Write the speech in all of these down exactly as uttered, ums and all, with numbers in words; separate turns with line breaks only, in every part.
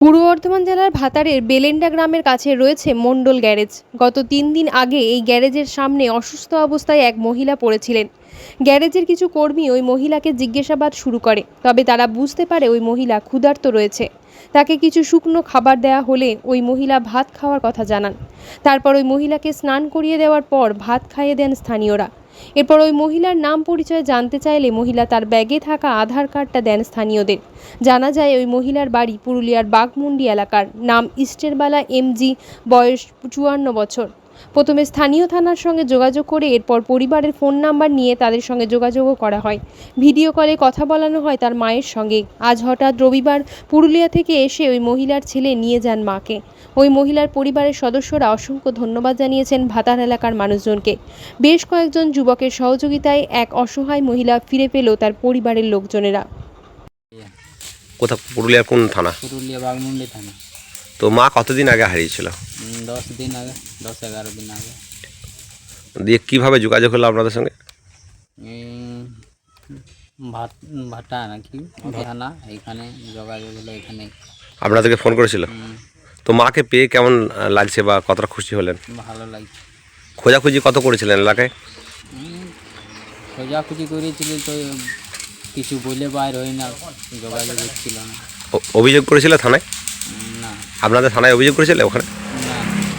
পূর্ব বর্ধমান জেলার ভাতারের বেলেন্ডা গ্রামের কাছে রয়েছে মণ্ডল গ্যারেজ। গত তিন দিন আগে এই গ্যারেজের সামনে অসুস্থ অবস্থায় এক মহিলা পড়েছিলেন। গ্যারেজের কিছু কর্মী ওই মহিলাকে জিজ্ঞাসাবাদ শুরু করে, তবে তারা বুঝতে পারে ওই মহিলা ক্ষুধার্ত রয়েছে। তাকে কিছু শুকনো খাবার দেওয়া হলে ওই মহিলা ভাত খাওয়ার কথা জানান। তারপর ওই মহিলাকে স্নান করিয়ে দেওয়ার পর ভাত খাইয়ে দেন স্থানীয়রা। এরপর ওই মহিলার নাম পরিচয় জানতে চাইলে মহিলা তার ব্যাগে থাকা আধার কার্ডটা দেন স্থানীয়দের। জানা যায় ওই মহিলার বাড়ি পুরুলিয়ার বাঘমুন্ডি এলাকার, নাম ইস্টেরবালা এমজি, বয়স চুয়ান্ন বছর। প্রথমে স্থানীয় থানার সঙ্গে যোগাযোগ করে এরপর পরিবারের ফোন নাম্বার নিয়ে তাদের সঙ্গে যোগাযোগও করা হয়। ভিডিও কলে কথা বলানো হয় তার মায়ের সঙ্গে। আজ হঠাৎ রবিবার পুরুলিয়া থেকে এসে ওই মহিলার ছেলে নিয়ে যান মাকে। ওই মহিলার পরিবারের সদস্যরা অসংখ্য ধন্যবাদ জানিয়েছেন ভাতার এলাকার মানুষজনকে। বেশ কয়েকজন যুবকের সহযোগিতায় এক অসহায় মহিলা ফিরে পেল তার পরিবারের লোকজনেরা।
কোথা পুরুলিয়ার কোন থানা?
পুরুলিয়া বাঘমুন্ডি থানা।
তো মা কতদিন আগে হারিয়েছিল?
উম, দশ দিন আগে, দশ এগারো দিন আগে।
দিয়ে কিভাবে যোগাযোগ হলো আপনাদের সঙ্গে?
উম, ভাট ভাটা নাকি থানা, এখানে যোগাযোগ হলো এখানে।
আপনাদেরকে ফোন করেছিল?
উম,
তো মাকে পেয়ে কেমন লাগছে বা কতটা খুশি হলেন?
ভালো লাগছে।
খোঁজাখুঁজি কত করেছিলেন এলাকায়?
উম, খোঁজাখুঁজি করেছিল তো কিছু বলে বাইর হয় না, যোগাযোগ হচ্ছিল না।
ও- অভিযোগ করেছিল থানায়?
উম, না
আপনাদের থানায় অভিযোগ করেছিল ওখানে?
না,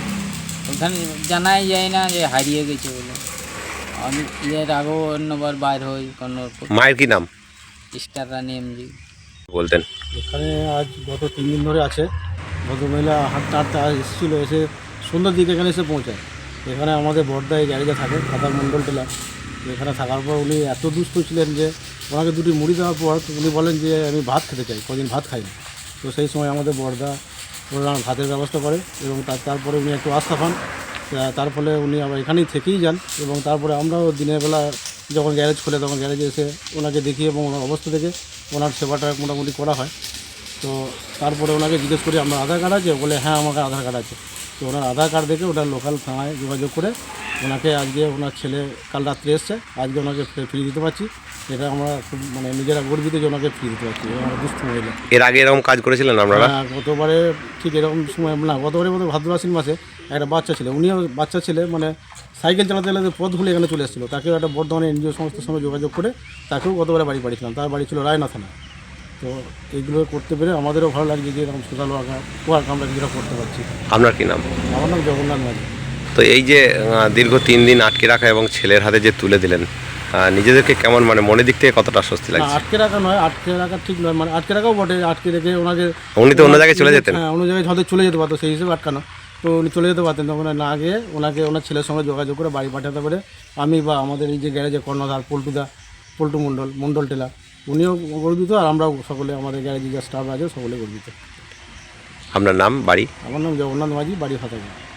ওখানে জানাই যায় না যে হারিয়ে গেছে বলে। আমি এর আগেও অন্যবার বাইর হই কোনো
মায়ের কি নাম
স্টার রানি এমজি।
বলতেন?
এখানে আজ গত তিন দিন ধরে আছে। ভদ্রমহিলা হাঁটতে হাঁটতে আজ এসেছিলো, এসে সন্ধ্যার দিকে এখানে এসে পৌঁছায়। এখানে আমাদের বর্দা এই গ্যারেজে থাকে, ভাতার মণ্ডল টেলা। এখানে থাকার পর উনি এত দুস্থ ছিলেন যে ওনাকে দুটি মুড়ি দেওয়ার পর উনি বলেন যে আমি ভাত খেতে চাই, কদিন ভাত খাইনি। তো সেই সময় আমাদের বর্দা ওনার ভাতের ব্যবস্থা করে এবং তার তারপরে উনি একটু আস্থা পান। তা- তার ফলে উনি আবার এখানেই থেকেই যান এবং তারপরে আমরাও দিনের বেলা যখন গ্যারেজ খোলে তখন গ্যারেজে এসে ওনাকে দেখি এবং ওনার অবস্থা দেখে ওনার সেবাটা মোটামুটি করা হয়। তো তারপরে ওনাকে জিজ্ঞেস করি আপনার আধার কার্ড আছে? বলে হ্যাঁ আমার আধার কার্ড আছে। তো ওনার আধার কার্ড দেখে ওনার লোকাল থানায় যোগাযোগ করে ওনাকে আজকে ওনার ছেলে কাল রাত্রে এসছে, আজকে ওনাকে ফিরিয়ে দিতে পারছি। এটা আমরা খুব মানে নিজেরা গর্বিত যে ওনাকে ফিরিয়ে দিতে পারছি। আমরা দুস্থ মহিলা।
এর আগে এরকম কাজ করেছিলেন আপনারা?
হ্যাঁ, গতবারে ঠিক এরকম সময় না, গতবারে মতো ভাদ্র আশ্বিন মাসে একটা বাচ্চা ছিল, উনিও বাচ্চা ছেলে মানে সাইকেল চালাতে চালাতে পথ ভুলে এখানে চলে এসেছিলো। তাকেও একটা বর্ধমানে এনজিও সংস্থার সঙ্গে যোগাযোগ করে তাকেও গতবারে বাড়ি পাঠিয়েছিলাম। তার বাড়ি ছিল রায়না থানা। তো এইগুলো করতে পেরে আমাদেরও ভালো লাগছে যে এরকম সোশ্যাল ওয়ার্কার ওয়ার্ক আমরা কিছুটা করতে পারছি।
আপনার কি নাম?
আমার নাম জগন্নাথ মাঝি।
তো এই যে আহ, দীর্ঘ তিন দিন আটকে রাখা এবং ছেলের হাতে যে তুলে দিলেন, আহ, নিজেদেরকে কেমন মানে মনের দিক থেকে কতটা স্বস্তি
না,
লাগছে?
আটকে রাখা নয়, আটকে রাখা ঠিক নয়, মানে আটকে রাখাও বটে। আটকে রেখে ওনাকে
উনি তো অন্য জায়গায় চলে যেতেন।
হ্যাঁ, অন্য জায়গায় হয়তো চলে যেতে পারতো, সেই হিসেবে আটকানো। তো উনি চলে যেতে পারতেন, তখন না গিয়ে ওনাকে ওনার ছেলের সঙ্গে যোগাযোগ করে বাড়ি পাঠাতে পারে আমি বা আমাদের এই যে গ্যারেজে কর্ণধার পল্টুদা, পল্টু মণ্ডল, মণ্ডল টেলা, উনিও গর্বিত আর আমরাও সকলে, আমাদের গ্যারেজে যে স্টাফ আছে সকলে গর্বিত।
আপনার নাম, বাড়ি?
আমার নাম জগন্নাথ মাঝি, বাড়ি ফাতাগি।